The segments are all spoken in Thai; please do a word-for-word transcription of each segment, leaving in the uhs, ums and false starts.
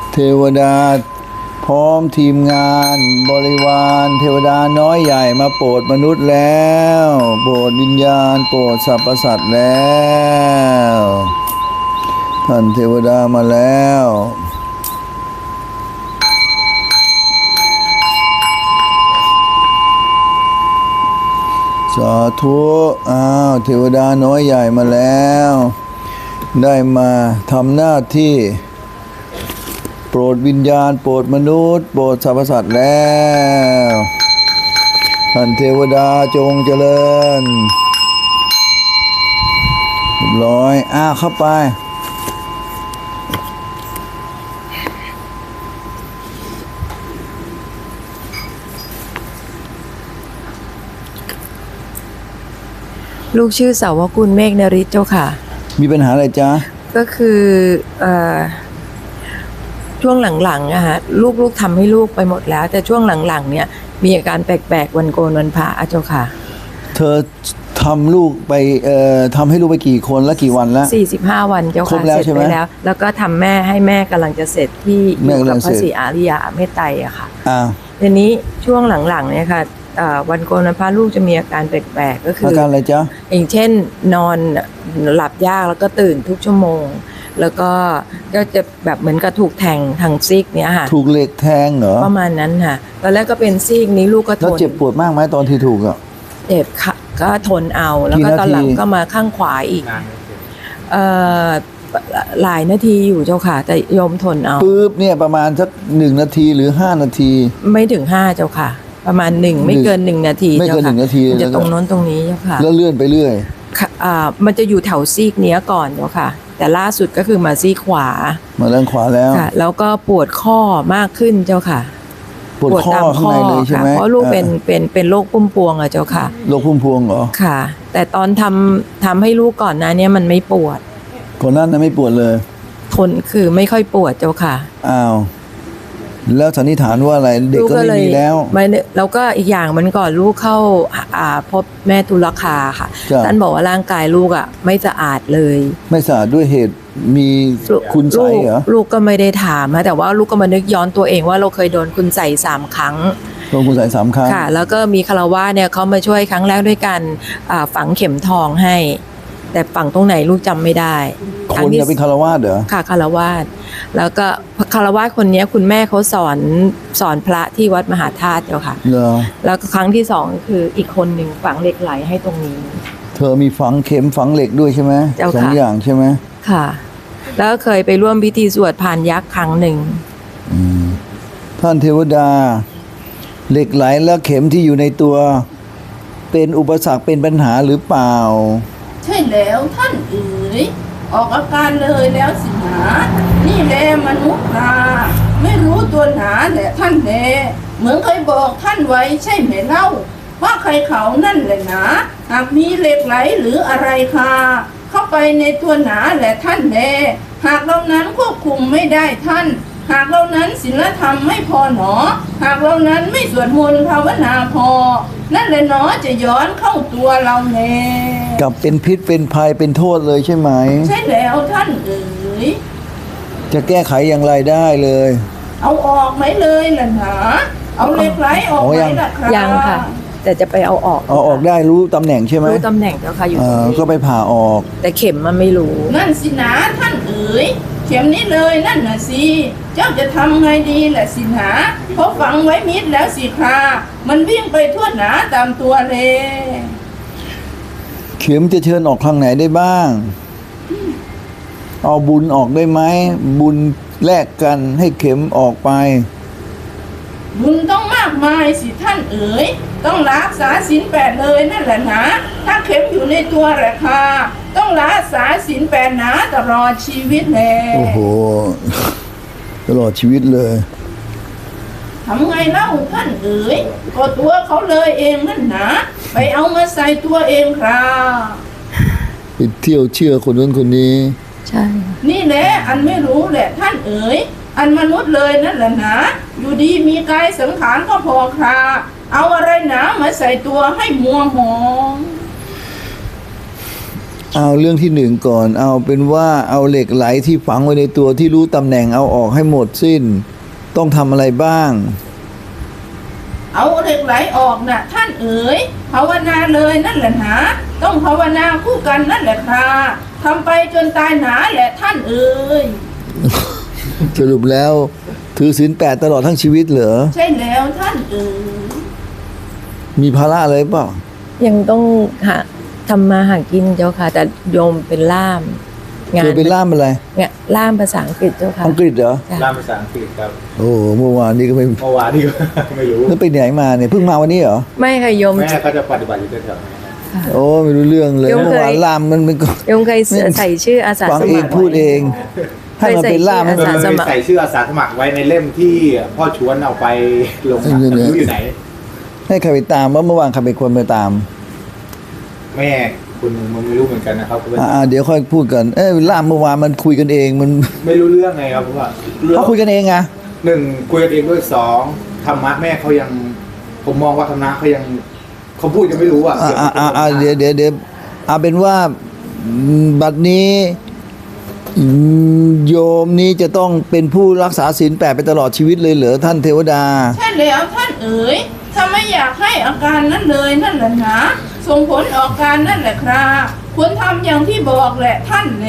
เทวดาพร้อมทีมงานบริวารเทวดาน้อยใหญ่มาโปรดมนุษย์แล้วโปรดวิญญาณโปรดสรรพสัตว์แล้วท่านเทวดามาแล้วสาธุอ้าวเทวดาน้อยใหญ่มาแล้วได้มาทำหน้าที่โปรดวิญญาณโปรดมนุษย์โปรดสรรพสัตว์แล้วท่านเทวดาจงเจริญเรียบร้อยอ้าเข้าไปลูกชื่อสาวกุลเมฆนฤทธิ์เจ้าค่ะมีปัญหาอะไรจ๊ะก็คือเอ่อช่วงหลังๆอะฮะลูกๆทำให้ลูกไปหมดแล้วแต่ช่วงหลังๆเนี่ยมีอาการแปลกๆวันโกนวันพระเจ้าค่ะเธอทำลูกไปเอ่อทำให้ลูกไปกี่คนและกี่วันแล้วสี่สิบห้าวันเจ้าค่ะเสร็จไปแล้วแล้วก็ทำแม่ให้แม่กำลังจะเสร็จที่อยู่กับพระศรีอาริยะเมตไตรอะค่ะทีนี้ช่วงหลังๆเนี่ยค่ะวันโกนวันพระลูกจะมีอาการแปลกๆก็คืออาการอะไรจ๊ะอย่างเช่นนอนหลับยากแล้วก็ตื่นทุกชั่วโมงแล้วก็ก็จะแบบเหมือนกับถูกแทงทางซีกเนี้ยค่ะถูกเหล็กแทงเหรอประมาณนั้นค่ะตอนแรกก็เป็นซีกนี้ลูกก็ทนแล้วเจ็บปวดมากไหมตอนที่ถูกอ่ะเจ็บค่ะก็ทนเอาแล้วก็ตอนหลังก็มาข้างขวาอีกเอ่อหลายนาทีอยู่เจ้าค่ะแต่ยมทนเอาปึ๊บเนี่ยประมาณสักหนึ่งนาทีหรือห้านาทีไม่ถึงห้าเจ้าค่ะประมาณหนึ่งไม่เกินหนึ่งนาทีไม่เกินหนึ่งนาทีจะตรงโน้นตรงนี้เจ้าค่ะแล้วเลื่อนไปเรื่อยอ่ามันจะอยู่แถวซีกเนี้ยก่อนเจ้าค่ะแต่ล่าสุดก็คือมาซีกขวามาด้านขวาแล้วค่ะแล้วก็ปวดข้อมากขึ้นเจ้าค่ะปวดข้อข้างในเลยใช่ไหมเพราะลูกเป็นเป็นเป็นโรคพุ่มพวงอะเจ้าค่ะโรคพุ่มพวงเหรอค่ะแต่ตอนทำทำให้ลูกก่อนนะเนี่ยมันไม่ปวดก่อนนั้นไม่ปวดเลยทนคือไม่ค่อยปวดเจ้าค่ะอ้าวแล้วสันนิษฐานว่าอะไรเด็กก็ไม่มีแล้วไม่แล้วก็อีกอย่างมันก่อนลูกเข้าอ่าพบแม่ทุลคาค่ะท่านบอกว่าร่างกายลูกอ่ะไม่สะอาดเลยไม่สะอาดด้วยเหตุมีคุณใส่เหรอลูกก็ไม่ได้ถามนะแต่ว่าลูกก็มานึกย้อนตัวเองว่าเราเคยโดนคุณใส่สามครั้งโดนคุณใส่สามครั้งค่ะแล้วก็มีคารวะเนี่ยเขามาช่วยครั้งแรกด้วยกันฝังเข็มทองให้แต่ฝังตรงไหนลูกจำไม่ได้คนจะเป็นคารวะเหรอค่ะคารวะแล้วก็คารวะคนนี้คุณแม่เขาสอนสอนพระที่วัดมหาธาตุเจ้าค่ะแล้วครั้งที่สองคืออีกคนหนึ่งฝังเหล็กไหลให้ตรงนี้เธอมีฝังเข็มฝังเหล็กด้วยใช่ไหมสองอย่างใช่ไหมค่ะแล้วเคยไปร่วมพิธีสวดพานยักษ์ครั้งหนึ่งท่านเทวดาเหล็กไหลและเข็มที่อยู่ในตัวเป็นอุปสรรคเป็นปัญหาหรือเปล่าใช่แล้วท่านเอ๋ยออกอาการเลยแล้วสิหนานี่แลมนุษย์นาไม่รู้ตัวหนาแหละท่านแลเหมือนเคยบอกท่านไว้ใช่ไหมเล่าว่าใครเขานั่นแหละหนาหากมีเหล็กไหลหรืออะไรค่ะเข้าไปในตัวหนาแหละท่านแลหากเรานั้นควบคุมไม่ได้ท่านหากเรานั้นศีลธรรมไม่พอหนอหากเรานั้นไม่สวดมนต์ภาวนาพอนั่นแหละหนอจะย้อนเข้าตัวเราแน่กับเป็นพิษเป็นภัยเป็นโทษเลยใช่ไหมใช่แล้วท่านเอ๋ยจะแก้ไขอย่างไรได้เลยเอาออกไหมเลยล่ะหนาเอาเหล็กไหลออกไหมล่ะครับยังค่ะแต่จะไปเอาออกเอาออกได้รู้ตำแหน่งใช่ไหมรู้ตำแหน่งแล้วค่ะอยู่ตรงนี้ก็ไปผ่าออกแต่เข็มมันไม่รู้นั่นสินะท่านเอ๋ยเข็มนี้เลยนั่นน่ะสิเจ้าจะทำไงดีล่ะสินะเพราะฝังไว้มิดแล้วสิครามันวิ่งไปทั่วหนาตามตัวเลยเข็มจะเชิญออกทางไหนได้บ้างเอาบุญออกได้ไหมบุญแลกกันให้เข็มออกไปบุญต้องมากมายสิท่านเอ๋ยต้องรักษาศีลแปดเลยนั่นแหละนะถ้าเข็มอยู่ในตัวแหละค่ะต้องรักษาศีลแปดนะตลอดชีวิตแน่โอ้โหตลอดชีวิตเลยทำไงเล่าท่านเอ๋ยก็ตัวเขาเลยเองนั่นนะไปเอามาใส่ตัวเองครับไปเที่ยวเชื่อคนนั้นคนนี้ใช่นี่แหละอันไม่รู้แหละท่านเอ๋ยอันมนุษย์เลยนั่นแหละนะอยู่ดีมีกายสังขารก็พอคราเอาอะไรหนามาใส่ตัวให้มัวหมองเอาเรื่องที่หนึ่งก่อน เอาเป็นว่าเอาเหล็กไหลที่ฝังไว้ในตัวที่รู้ตำแหน่งเอาออกให้หมดสิ้น ต้องทำอะไรบ้างเอาเหล็กไหลออกน่ะท่านเอ๋ยภาวนาเลยนั่นแหละหนาต้องภาวนาคู่กันนั่นแหละค่ะทำไปจนตายหนาแหละท่านเอ๋ยสรุปแล้วถือศีลแปดตลอดทั้งชีวิตเหรอใช่แล้วท่านเอ๋ยมีภาระอะไรเปล่ายังต้องหาทำมาหากินเจ้าค่ะ แต่โยมเป็นล่ามงาเธอเป็นล่ามอะไรเนี่ยล่ามภาษาอังกฤษเจ้าค่ะอังกฤษเหรอจ้ะล่ามภาษาอังกฤษครับโอ้โหเมื่อวานนี้ก็ไม่เมื่อวานนี่ก็ ไม่รู้แล้วไปไหนมาเนี่ยเพิ่งมาวันนี้เหรอไม่ค่ะโยมแม่เขาจะปฏิบัติอยู่แถวๆนี้โอ้ไม่รู้เรื่องเลยโยมเคยเมื่อวานล่ามมันมันก็โยมเคยใส่ชื่ออาสาฟังสเอมังครพูดเองเคให้ยมันใส่เป็นล่ามชื่ออาสาเออใส่ชื่ออาสาสมัครไว้ในเล่มที่พ่อชวนเอาไปลงเออเนี่ยรู้อยู่ไหนให้ใครไปตามว่าเมื่อวานใครเป็นคนไปตามแม่คุณมันไม่รู้เหมือนกันนะครับเพราะว่าอ่าเดี๋ยวค่อยพูดกันเอ้ยล่ามเมื่อวานมันคุยกันเองมันไม่รู้เรื่องไงครับเพราะว่าเรื่องเขาคุยกันเองอะหนึ่งคุยกันเองด้วยสองธรรมะแม่เขายังผมมองว่าธรรมะเขายังเขาพูดยังไม่รู้อ่ะอ่าอ่าอ่าอ่าเดี๋ยวเดี๋ยวเดี๋ยวเอาเป็นว่าอืมบัดนี้อืมโยมนี้จะต้องเป็นผู้รักษาศีลแปดไปตลอดชีวิตเลยเหรอท่านเทวดาใช่แล้วท่านเอ๋ยถ้าไม่อยากให้อาการนั้นเลยนั่นแหละนะส่งผลออกการนั่นแหละครับควรทำอย่างที่บอกแหละท่านเน่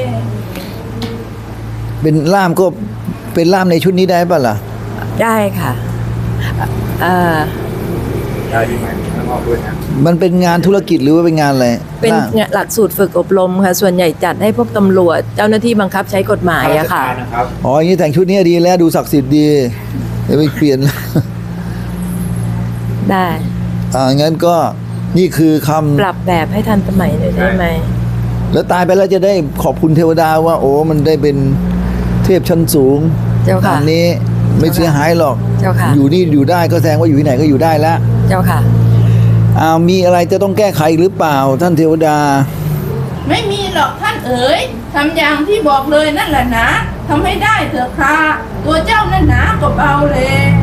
เป็นล่ามก็เป็นล่ามในชุดนี้ได้ป่ะล่ะได้ค่ะเอ่อได้ดีไหมข้างนอกด้วยนะมันเป็นงานธุรกิจหรือว่าเป็นงานอะไรเป็นล่ามหลักสูตรฝึกอบรมค่ะ ส่วนใหญ่จัดให้พวกตำรวจเจ้าหน้าที่บังคับใช้กฎหมายอะค่ะข้าราชการนะครับอ๋ออย่างนี้แต่งชุดนี้ดีแล้วดูศักดิ์สิทธิ์ดีเดี๋ยวไปเปลี่ยนได้อ่างั้นก็นี่คือคำปรับแบบให้ทันสมัยหน่อยได้ไหมแล้วตายไปแล้วจะได้ขอบคุณเทวดาว่า โอ้มันได้เป็นเทพชั้นสูงเจ้าค่ะอันนี้ไม่เสียหายหรอกเจ้าค่ะอยู่นี่อยู่ได้ก็แสดงว่าอยู่ที่ไหนก็อยู่ได้แล้วเจ้าค่ะอ้าวมีอะไรจะต้องแก้ไขหรือเปล่า ท่านเทวดาไม่มีหรอกท่านเอ๋ยทำอย่างที่บอกเลยนั่นแหละนะทำให้ได้เถอะค่ะตัวเจ้านั่นหนาก็เบาเลย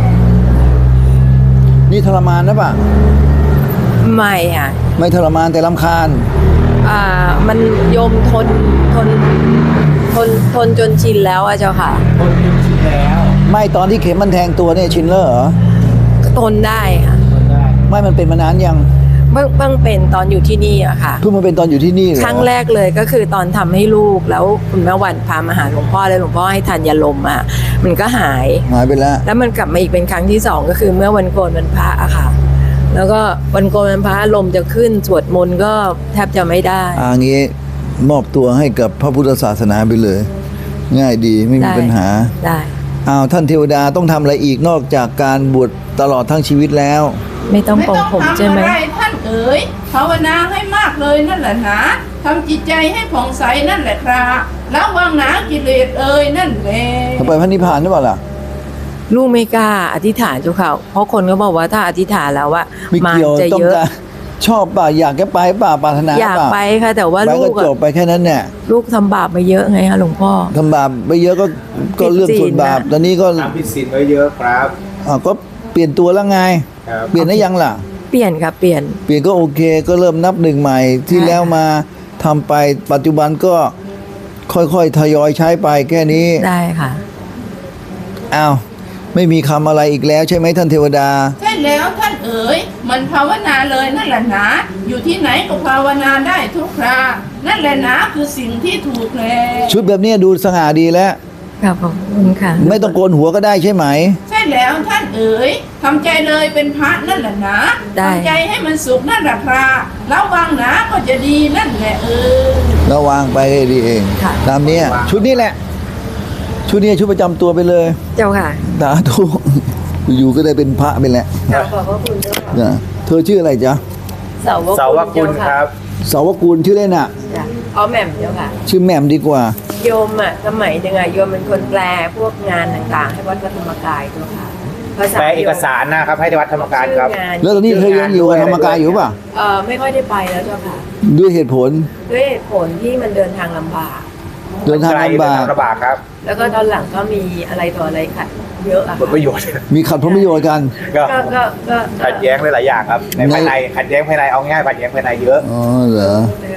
นี่ทรมานนะปะไม่อ่ะไม่ทรมานแต่รำคาญอ่า มันโยมทนทนทนทนจนชินแล้วอะเจ้าค่ะคนจนชินแล้วไม่ตอนที่เข็มมันแทงตัวเนี่ยชินเลอร์เหรอทนได้ค่ะคนได้ไม่มันเป็นมานานยังเพิ่งเพิ่งเป็นตอนอยู่ที่นี่อะค่ะเพิ่งมาเป็นตอนอยู่ที่นี่เหรอครั้งแรกเลยก็คือตอนทำให้ลูกแล้วคุณแม่วันพามาหาหลวงพ่อแล้วหลวงพ่อให้ทานยาลมอ่ะมันก็หายหายไปแล้วแล้วมันกลับมาอีกเป็นครั้งที่สองก็คือเมื่อวันโกนวันพระอะค่ะ แล้วก็วันโกนวันพระลมจะขึ้นสวดมนต์ก็แทบจะไม่ได้อ่างี้มอบตัวให้กับพระพุทธศาสนาไปเลย ง่ายดีไม่มีได้ปัญหาได้อ้าวท่านเทวดาต้องทำอะไรอีกนอกจากการบวชตลอดทั้งชีวิตแล้วไม่ต้องไม่ปลงต้องผมทำใช่ไหมอะไรท่านเอ๋ยภาวนาให้มากเลยนั่นแหละนะทำจิตใจให้ผ่องใสนั่นแหละครับระวังหนากิเลสเอ่ยนั่นแหละถ้าไปพระนิพพานหรือเปล่าล่ะลูกไม่กล้าอธิษฐานเจ้าค่ะ เพราะคนก็บอกว่าถ้าอธิษฐานแล้วว่าไม่มาเกี่ยวจะต้องเยอะการชอบป่ะอยากจะไปป่ะปรารถนาอยากป่ะไปค่ะ แต่ว่าไปลูก็กอะจบไปแค่นั้นเนี่ยลูกทำบาปมาเยอะไงคะหลวงพ่อทำบาปไปเยอะก็ก็เรื่องส่วนบาปผิดศีลนะตอนนี้ก็ทำผิดศีลไว้เยอะครับอ่าก็เปลี่ยนตัวแล้วไงครับเปลี่ยนได้ยังล่ะเปลี่ยนค่ะเปลี่ยนเปลี่ยนก็โอเคก็เริ่มนับหนึ่งใหม่ที่ใช่แล้วมาทำไปปัจจุบันก็ค่อยๆทยอยใช้ไปแค่นี้ได้ค่ะอ้าวไม่มีคำอะไรอีกแล้วใช่ไหมท่านเทวดาใช่แล้วท่านเอ๋ยมันภาวนาเลยนั่นแหละนะอยู่ที่ไหนก็ภาวนาได้ทุกครานั่นแหละนะคือสิ่งที่ถูกแล้วชุดแบบนี้ดูสง่าดีแล้วขอบคุณค่ะไม่ต้องโกนหัวก็ได้ใช่ไหมใช่แล้วท่านเอ๋ยทำใจเลยเป็นพระนั่นแหละนะได้ทำใจให้มันสุขนั่นแหละครับระวังนะก็จะดีนั่นแหละเออระวางไปให้ดีเองค่ะตามเนี้ยชุดนี้แหละ ชุดนี้ชุดประจำตัวไปเลยเจ้าค่ะสาธุอยู่ก็ได้เป็นพระไปแล้วขอบพระคุณเจ้าค่ะนะเธอชื่ออะไรจ๊ะเสาวสาวกุลเจ้าคค่ะรับสาวกูลชื่อเล่นอ่ะจ้ะอ๋อแหม่มเจ้าค่ะชื่อแหม่มดีกว่าโยมอ่ะสมัยหนึ่งอ่ะโยมเป็นคนแปลพวกงานต่างๆ ให้วัดพระธรรมกายเจ้าค่ะภาษาแปลเอกสารนะครับให้ที่วัดธรรมการครับชื่องานแล้วตอนนี้เธอยังอยู่กับธรรมกายอยู่ป่ะเออไม่ค่อยได้ไปแล้วเจ้าค่ะด้วยเหตุผลด้วยเหตุผลที่มันเดินทางลำบากเดินทางลำบากเดินทงลำบากครับแล้วก็ตอนหลังก็มีอะไรต่ออะไรขัดเยอะอะผลประโยชน์มีขัดผลประโยชน์กันก็ก็ก็ก็ก็ขัดแย้งหลายๆอย่างครับในภายในขัดแย้งภายในเอาง่ายขัดแย้งภายในเยอะอ๋อเหรอเจ้าค่ะ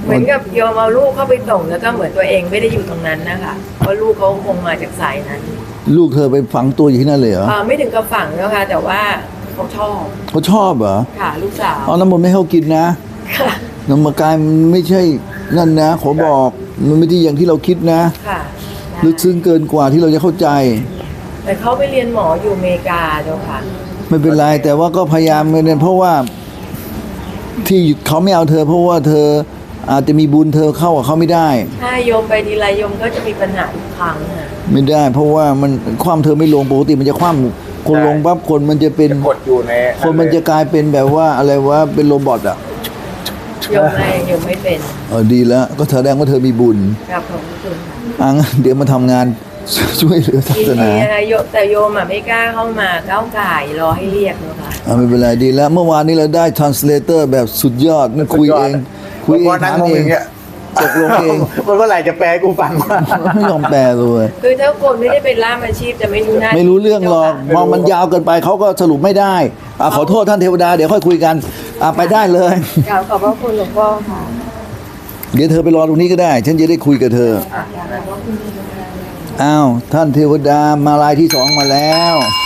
เหมือนกับโยมเอาลูกเข้าไปส่งแล้วก็เหมือนตัวเองไม่ได้อยู่ตรงนั้นนะคะเพราะลูกเขาคงมาจากสายนั้นลูกเธอไปฝังตัวอยู่ที่นั่นเลยเหรออ่าไม่ถึงกับฝังนะคะแต่ว่าเขาชอบเขาชอบเหรอค่ะลูกสาวเอาน้ำมนต์ไม่ให้เขากินนะค่ะน้ำมกายมันไม่ใช่นั่นนะขอบอกมันไม่ได้อย่างที่เราคิดนะค่ะลึกซึ้งเกินกว่าที่เราจะเข้าใจแต่เขาไปเรียนหมออยู่อเมริกาเจ้าค่ะไม่เป็นไรแต่ว่าก็พยายามเนี่ยเพราะว่าที่เขาไม่เอาเธอ เพราะว่าเธออาจจะมีบุญเธอเข้ากับเขาไม่ได้ถ้าโยมไปทีไรโยมก็จะมีปัญหาทุกครั้งอะไม่ได้ เพราะว่ามันความเธอไม่ลงปกติมันจะคว่ำคนลงปั๊บคนมันจะเป็นจะกดอยู่ในคนมันจะกลายเป็นแบบว่าอะไรวะเป็นโรบอทอ่ะโยมไม่โยมไม่เป็นเออดีแล้วก็แสดงว่าเธอมีบุญครับผมคุณค่ะอ่ะงั้นเดี๋ยวมาทำงาน ช่วยเหลือศาทีสนานี้นะคะโยมแต่โยมอะไม่กล้าเข้ามาก้าวไก่ายรอให้เรียกนะคะอ่ะไม่เป็นไรดีแล้ว เมื่อวานนี้เราได้ translator แบบสุดยอดมันคุยเอง คุยเองนั่งถามมองเออง ย่างเงี้ยตกลงเองมันเมื่อไหร่จะแปลให้กูฟังวะไม่ยอมแปลเลยคือถ้าคนไม่ได้เป็นล่ามอาชีพจะไม่รู้หน้าไม่รู้เรื่องหรอกเจ้าค่ะมองมันยาวเกินไปเขาก็สรุปไม่ได้อ่ะขอโทษท่านเทวดาเดี๋ยวค่อยคุยกันอ่ะไปได้เลยกราบขอบพระคุณหลวงพ่อค่ะเดี๋ยวเธอไปรอตรงนี้ก็ได้ ฉันจะได้คุยกับเธอ อ้าว ท่านเทวดามารายที่สองมาแล้ว